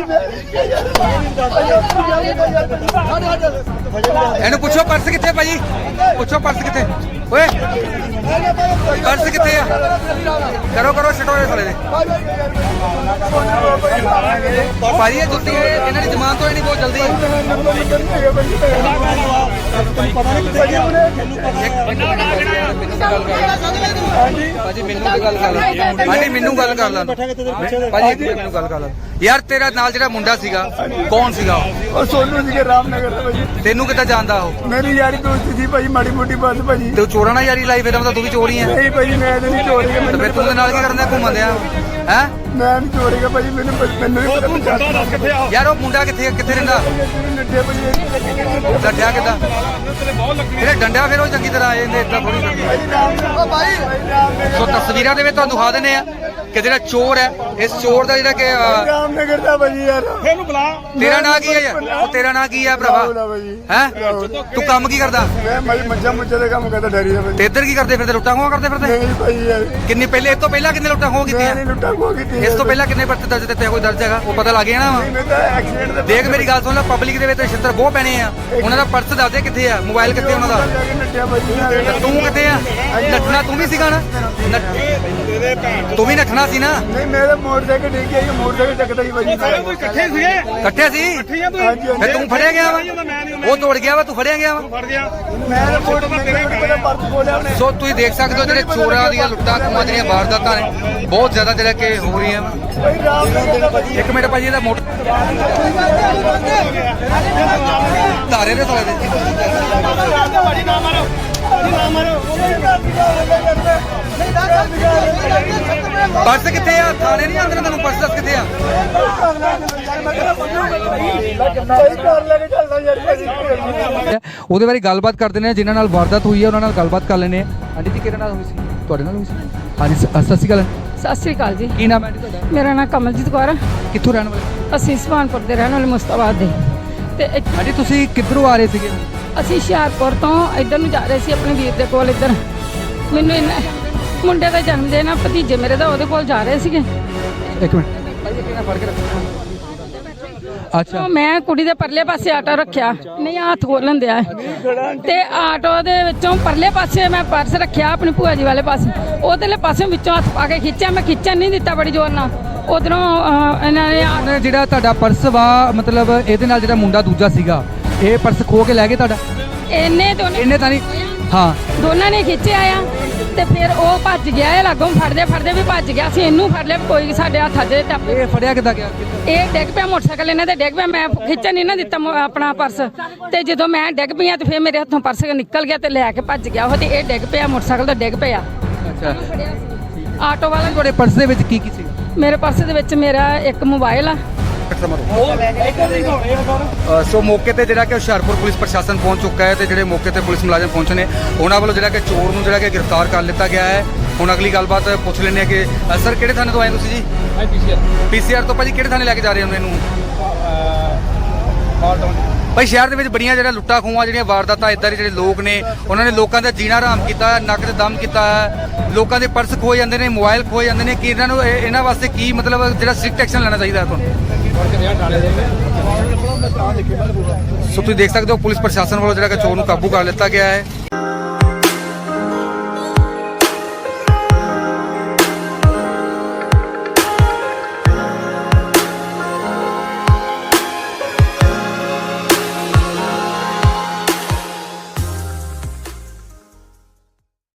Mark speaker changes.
Speaker 1: ਇਹਨੂੰ ਪੁੱਛੋ ਪਰਸ ਕਿੱਥੇ ਭਾਜੀ, ਪੁੱਛੋ ਪਰਸ ਕਿੱਥੇ ਓਏ, ਪਰਸ ਕਿੱਥੇ ਆ? ਕਰੋ ਕਰੋ ਛਟੋਰੇ ਸਾਲੇ ਦੇ ਭਾਜੀ। ਇਹ ਜੁੱਤੀ ਇਹਨਾਂ ਦੀ ਜ਼ਮਾਨਤ ਤੋਂ ਨਹੀਂ ਬਹੁਤ ਜਲਦੀ। ਭਾਜੀ ਮੈਨੂੰ ਤੇ ਗੱਲ ਕਰ ਲੈ, ਭਾਜੀ ਮੈਨੂੰ ਗੱਲ ਕਰ ਲੈ ਭਾਜੀ, ਮੈਨੂੰ ਗੱਲ ਕਰ ਲੈ ਯਾਰ। ਤੇਰਾ ਨਾਲ ਜਿਹੜਾ ਮੁੰਡਾ ਸੀਗਾ ਕੌਣ ਸੀਗਾ?
Speaker 2: ਉਹ ਸੋਨੂ ਸੀਗੇ ਰਾਮਨਗਰ ਤੋਂ ਭਾਜੀ।
Speaker 1: ਤੈਨੂੰ ਕਿੱਦਾਂ ਜਾਣਦਾ ਉਹ?
Speaker 2: ਮੇਰੀ ਯਾਰੀ ਦੋਸਤ ਸੀ ਭਾਜੀ, ਮਾੜੀ ਮੋਟੀ ਬਸ ਭਾਜੀ।
Speaker 1: ਤੇ ਚੋਰਾਂ ਨਾਲ ਯਾਰੀ ਲਾਈ, ਫਿਰ ਮਤਲਬ ਤੂੰ ਵੀ ਚੋਰੀ ਹੈ?
Speaker 2: ਨਹੀਂ ਭਾਜੀ ਮੈਂ ਤਾਂ ਨਹੀਂ ਚੋਰੀ।
Speaker 1: ਤੇ ਫਿਰ ਤੂੰ ਦੇ ਨਾਲ ਕੀ ਕਰਨ ਦਿਆ ਘੁੰਮਣ ਦਿਆ ਹੈ?
Speaker 2: ਮੈਂ ਨਹੀਂ ਚੋਰੀ ਭਾਜੀ, ਮੈਨੂੰ ਨਹੀਂ ਪਤਾ
Speaker 1: ਯਾਰ ਉਹ ਮੁੰਡਾ ਕਿੱਥੇ ਕਿੱਥੇ ਰਹਿੰਦਾ?
Speaker 2: ਨੱਡੇ ਭਾਜੀ।
Speaker 1: ਡੰਡਿਆ ਕਿੱਦਾਂ? ਜਿਹੜੇ ਡੰਡਿਆ ਫਿਰ ਉਹ ਚੰਗੀ ਤਰ੍ਹਾਂ ਆਏ ਨੇ, ਏਦਾਂ ਥੋੜੀ ਸੋ ਤਸਵੀਰਾਂ ਦੇ ਵਿੱਚ ਤੁਹਾਨੂੰ ਦਿਖਾ ਦਿੰਦੇ ਆ ਕਿ ਜਿਹੜਾ ਚੋਰ ਹੈ, ਇਸ ਚੋਰ ਦਾ ਜਿਹੜਾ ਕਿ
Speaker 2: ਰਾਮਨਗਰ ਦਾ ਭਾਜੀ ਯਾਰ। ਇਹਨੂੰ ਬੁਲਾ।
Speaker 1: ਤੇਰਾ ਨਾਂ ਕੀ ਹੈ ਯਾਰ? ਉਹ ਤੇਰਾ ਨਾਂ ਕੀ ਹੈ ਭਰਾਵਾ? ਹੈ ਤੂੰ ਕੰਮ ਕੀ ਕਰਦਾ?
Speaker 2: ਮੈਂ ਭਾਜੀ ਮੱਝਾਂ ਮੁੱਝਾਂ ਦਾ ਕੰਮ ਕਰਦਾ, ਡੈਰੀ ਦਾ ਭਾਜੀ।
Speaker 1: ਤੇ ਇੱਧਰ ਕੀ ਕਰਦੇ ਫਿਰਦੇ? ਲੁੱਟਾਂ ਖੋਹਾਂ ਕਰਦੇ ਫਿਰਦੇ?
Speaker 2: ਨਹੀਂ ਭਾਜੀ ਯਾਰ।
Speaker 1: ਕਿੰਨੀ ਪਹਿਲੇ, ਇਸ ਤੋਂ ਪਹਿਲਾਂ ਕਿੰਨੇ ਲੁੱਟਾਂ ਖੋਹਾਂ ਕੀਤੀਆਂ?
Speaker 2: ਨਹੀਂ ਲੁੱਟਾਂ ਖੋਹ ਕੀਤੀ।
Speaker 1: ਇਸ ਤੋਂ ਪਹਿਲਾਂ ਕਿੰਨੇ ਪਰਚੇ ਦਰਜ ਦਿੱਤੇ? ਕੋਈ ਦਰਜ ਹੈਗਾ? ਉਹ ਪਤਾ ਲੱਗ ਜਾਣਾ ਵਾ।
Speaker 2: ਮੈਂ ਤਾਂ ਐਕਸੀਡੈਂਟ ਦਾ
Speaker 1: ਦੇਖ ਮੇਰੀ ਗੱਲ ਸੁਣ ਲੈ, ਪਬਲਿਕ ਦੇ ਵਿੱਚ ਛਿੱਤਰ ਬਹੁਤ ਪੈਣੇ ਆ। ਉਹਨਾਂ ਦਾ ਪਰਸ ਦੱਸ ਦੇ ਕਿੱਥੇ ਆ, ਮੋਬਾਈਲ ਕਿੱਥੇ ਉਹਨਾਂ ਦਾ?
Speaker 2: ਨੱਡਿਆ ਭਾਜੀ।
Speaker 1: ਤੇ ਤੂੰ ਕਿੱਥੇ ਆ? ਨੱਠਣਾ ਤੂੰ ਵੀ ਸੀਗਾ ਨਾ? ਤੂੰ ਵੀ ਨੱਠਣਾ ਸੀ ਨਾ?
Speaker 2: ਨਹੀਂ ਮੇਰੇ ਮੋਟਰਸਾਈਕਲ ਡਿੱਗ ਗਿਆ, ਮੋਟਰਸਾਈਕਲ ਚੱਕਦਾ ਹੀ ਭਾਜੀ।
Speaker 3: ਇਕੱਠੇ ਸੀਗੇ,
Speaker 1: ਇਕੱਠੇ ਸੀ?
Speaker 2: ਹਾਂਜੀ
Speaker 1: ਫਿਰ ਤੂੰ ਫੜਿਆ ਗਿਆ ਵਾ? ਉਹ ਤੋੜ ਗਿਆ ਵਾ, ਤੂੰ ਫੜਿਆ ਗਿਆ ਵਾ?
Speaker 3: ਫੜ ਗਿਆ।
Speaker 2: ਮੈਂ ਤਾਂ ਪਰਸ ਖੋਲਿਆ ਉਹਨੇ।
Speaker 1: ਸੋ ਤੁਸੀਂ ਦੇਖ ਸਕਦੇ ਹੋ ਜਿਹੜੇ ਚੋਰਾਂ ਦੀਆਂ ਲੁੱਟਾਂ ਖੋਹਾਂ ਜਿਹੜੀਆਂ ਵਾਰਦਾਤਾਂ ਨੇ ਬਹੁਤ ਜ਼ਿਆਦਾ ਜਿਹੜਾ ਕਿ ਹੋ ਰਹੀਆਂ ਵਾ।
Speaker 2: ਭਾਈ ਰਾਮਨਗਰ ਦਾ ਭਾਜੀ।
Speaker 1: ਇੱਕ ਮਿੰਟ ਭਾਜੀ, ਇਹਦਾ ਮੋਟਰ ਧਾਰੇ ਦੇ ਸਾਲੇ ਦੇ ਪਰਸ ਕਿੱਥੇ ਆ? ਥਾਣੇ ਨਹੀਂ ਆਉਂਦੇ ਤੈਨੂੰ ਪਰਸ ਦੱਸ ਕਿੱਥੇ ਆ? ਉਹਦੇ ਬਾਰੇ ਗੱਲਬਾਤ ਕਰਦੇ ਨੇ, ਜਿਨ੍ਹਾਂ ਨਾਲ ਵਾਰਦਾਤ ਹੋਈ ਹੈ ਉਹਨਾਂ ਨਾਲ ਗੱਲਬਾਤ ਕਰ ਲੈਣੇ। ਹਾਂਜੀ ਜੀ, ਕਿਹਦੇ ਨਾਲ ਹੋਈ ਸੀ? ਤੁਹਾਡੇ ਨਾਲ ਹੋਈ ਸੀ? ਹਾਂਜੀ ਸਤਿ ਸ਼੍ਰੀ ਅਕਾਲ।
Speaker 4: ਸਤਿ ਸ਼੍ਰੀ ਅਕਾਲ ਜੀ।
Speaker 1: ਕੀ ਨਾਮ ਹੈ ਤੁਹਾਡਾ?
Speaker 4: ਮੇਰਾ ਨਾਮ ਕਮਲਜੀਤ ਕੌਰ ਹੈ।
Speaker 1: ਕਿੱਥੋਂ ਰਹਿਣ ਵਾਲੇ?
Speaker 4: ਅਸੀਂ ਸੁਹਾਨਪੁਰ ਦੇ ਰਹਿਣ ਵਾਲੇ, ਮੁਸਤਾਬਾਦ ਦੇ। ਤੇ
Speaker 1: ਹਾਂਜੀ ਤੁਸੀਂ ਕਿੱਧਰੋਂ ਆ ਰਹੇ ਸੀਗੇ?
Speaker 4: ਅਸੀਂ ਹੁਸ਼ਿਆਰਪੁਰ ਤੋਂ ਇੱਧਰ ਨੂੰ ਜਾ ਰਹੇ ਸੀ ਆਪਣੇ ਵੀਰ ਦੇ ਕੋਲ। ਇੱਧਰ ਮੈਨੂੰ ਮੁੰਡੇ ਦਾ ਜਨਮ ਦਿਨ ਆ, ਭਤੀਜੇ ਮੇਰੇ ਦਾ, ਉਹਦੇ ਕੋਲ ਜਾ ਰਹੇ ਸੀਗੇ।
Speaker 1: ਇੱਕ ਮਿੰਟ ਫੜ ਕੇ ਰੱਖੋ। ਅੱਛਾ,
Speaker 4: ਮੈਂ ਕੁੜੀ ਦੇ ਪਰਲੇ ਪਾਸੇ ਆਟੋ ਰੱਖਿਆ, ਨਹੀਂ ਹੱਥ ਖੋਲਣ ਦਿਆ, ਤੇ ਆਟੋ ਦੇ ਵਿੱਚੋਂ ਪਰਲੇ ਪਾਸੇ ਮੈਂ ਪਰਸ ਰੱਖਿਆ ਆਪਣੀ ਭੂਆ ਜੀ ਵਾਲੇ ਪਾਸੇ, ਉਹਦੇ ਪਾਸੇ ਵਿੱਚੋਂ ਹੱਥ ਪਾ ਕੇ ਖਿੱਚਿਆ। ਮੈਂ ਖਿੱਚਣ ਨਹੀਂ ਦਿੱਤਾ ਬੜੀ ਜ਼ੋਰ ਨਾਲ। ਉਧਰੋਂ ਇਹਨਾਂ ਨੇ
Speaker 1: ਜਿਹੜਾ ਤੁਹਾਡਾ ਪਰਸ ਵਾ, ਮਤਲਬ ਇਹਦੇ ਨਾਲ ਜਿਹੜਾ ਮੁੰਡਾ ਦੂਜਾ ਸੀਗਾ, ਇਹ ਪਰਸ ਖੋ ਕੇ ਲੈ ਗਏ ਤੁਹਾਡਾ?
Speaker 4: ਇਹਨੇ
Speaker 1: ਤਾਂ ਨਹੀਂ? ਹਾਂ,
Speaker 4: ਦੋਨਾਂ ਨੇ ਖਿੱਚਿਆ ਆ, ਤੇ ਫਿਰ ਉਹ ਭੱਜ ਗਿਆ। ਇਹ ਲਾਗੋਂ ਫੜਦੇ ਫੜਦੇ ਵੀ ਭੱਜ ਗਿਆ ਸੀ। ਇਹਨੂੰ ਫੜ ਲਿਆ, ਕੋਈ ਸਾਡੇ ਹੱਥਾਂ 'ਚ ਟੱਪੇ।
Speaker 1: ਇਹ ਫੜਿਆ ਕਿੱਦਾਂ ਗਿਆ?
Speaker 4: ਇਹ ਡਿੱਗ ਪਿਆ, ਮੋਟਰਸਾਈਕਲ ਇਹਨਾਂ ਦੇ ਡਿੱਗ ਪਿਆ। ਮੈਂ ਖਿੱਚਣ ਨਹੀਂ ਨਾ ਦਿੱਤਾ ਆਪਣਾ ਪਰਸ, ਤੇ ਜਦੋਂ ਮੈਂ ਡਿੱਗ ਪਈ ਤੇ ਫਿਰ ਮੇਰੇ ਹੱਥੋਂ ਪਰਸ ਨਿਕਲ ਗਿਆ ਤੇ ਲੈ ਕੇ ਭੱਜ ਗਿਆ ਉਹ, ਤੇ ਇਹ ਡਿੱਗ ਪਿਆ, ਮੋਟਰਸਾਈਕਲ ਤੋਂ ਡਿੱਗ ਪਿਆ।
Speaker 1: ਅੱਛਾ,
Speaker 4: ਆਟੋ ਵਾਲਾ।
Speaker 1: ਤੁਹਾਡੇ ਪਰਸ ਦੇ ਵਿੱਚ ਕੀ ਕੀ ਸੀ?
Speaker 4: ਮੇਰੇ ਪਰਸ ਦੇ ਵਿੱਚ ਮੇਰਾ ਇੱਕ ਮੋਬਾਈਲ ਆ।
Speaker 1: ਸੋ ਮੌਕੇ ਤੇ ਜਿਹੜਾ ਕਿ ਹੁਸ਼ਿਆਰਪੁਰ ਪੁਲਿਸ ਪ੍ਰਸ਼ਾਸਨ ਪਹੁੰਚ ਚੁੱਕਾ ਹੈ, ਤੇ ਜਿਹੜੇ ਮੌਕੇ ਤੇ ਪੁਲਿਸ ਮੁਲਾਜ਼ਮ ਪਹੁੰਚੇ ਨੇ ਉਹਨਾਂ ਵੱਲੋਂ ਜਿਹੜਾ ਕਿ ਚੋਰ ਨੂੰ ਜਿਹੜਾ ਕਿ ਗ੍ਰਿਫਤਾਰ ਕਰ ਲਿੱਤਾ ਗਿਆ ਹੈ। ਹੁਣ ਅਗਲੀ ਗੱਲਬਾਤ ਪੁੱਛ ਲੈਂਦੇ ਆ ਕਿ ਸਰ ਕਿਹੜੇ ਥਾਣੇ ਤੋਂ ਆਏ ਤੁਸੀਂ ਜੀ? PCR ਤੋਂ। ਭਾਜੀ ਕਿਹੜੇ ਥਾਣੇ ਲੈ ਕੇ ਜਾ ਰਹੇ ਹੋ ਇਹਨੂੰ? ਭਾਈ ਸ਼ਹਿਰ ਦੇ ਵਿੱਚ ਬੜੀਆਂ ਜਿਹੜਾ ਲੁੱਟਾਂ ਖੋਹਾਂ ਜਿਹੜੀਆਂ ਵਾਰਦਾਤਾਂ ਇੱਦਾਂ ਦੇ ਜਿਹੜੇ ਲੋਕ ਨੇ ਉਹਨਾਂ ਨੇ ਲੋਕਾਂ ਦਾ ਜੀਣਾ ਹਰਾਮ ਕੀਤਾ, ਨੱਕ ਤੇ ਦਮ ਕੀਤਾ ਹੈ। ਲੋਕਾਂ ਦੇ ਪਰਸ ਖੋਏ ਜਾਂਦੇ ਨੇ, ਮੋਬਾਈਲ ਖੋਏ ਜਾਂਦੇ ਨੇ। ਕਿ ਇਹਨਾਂ ਨੂੰ ਇਹਨਾਂ ਵਾਸਤੇ ਕੀ ਮਤਲਬ ਜਿਹੜਾ ਸਟ੍ਰਿਕਟ ਐਕਸ਼ਨ ਲੈਣਾ ਚਾਹੀਦਾ ਤੁਹਾਨੂੰ? ਸੋ ਤੁਸੀਂ ਦੇਖ ਸਕਦੇ ਹੋ ਪੁਲਿਸ ਪ੍ਰਸ਼ਾਸਨ ਵੱਲੋਂ ਜਿਹੜਾ ਕਿ ਚੋਰ ਨੂੰ ਕਾਬੂ ਕਰ ਲਿੱਤਾ ਗਿਆ ਹੈ।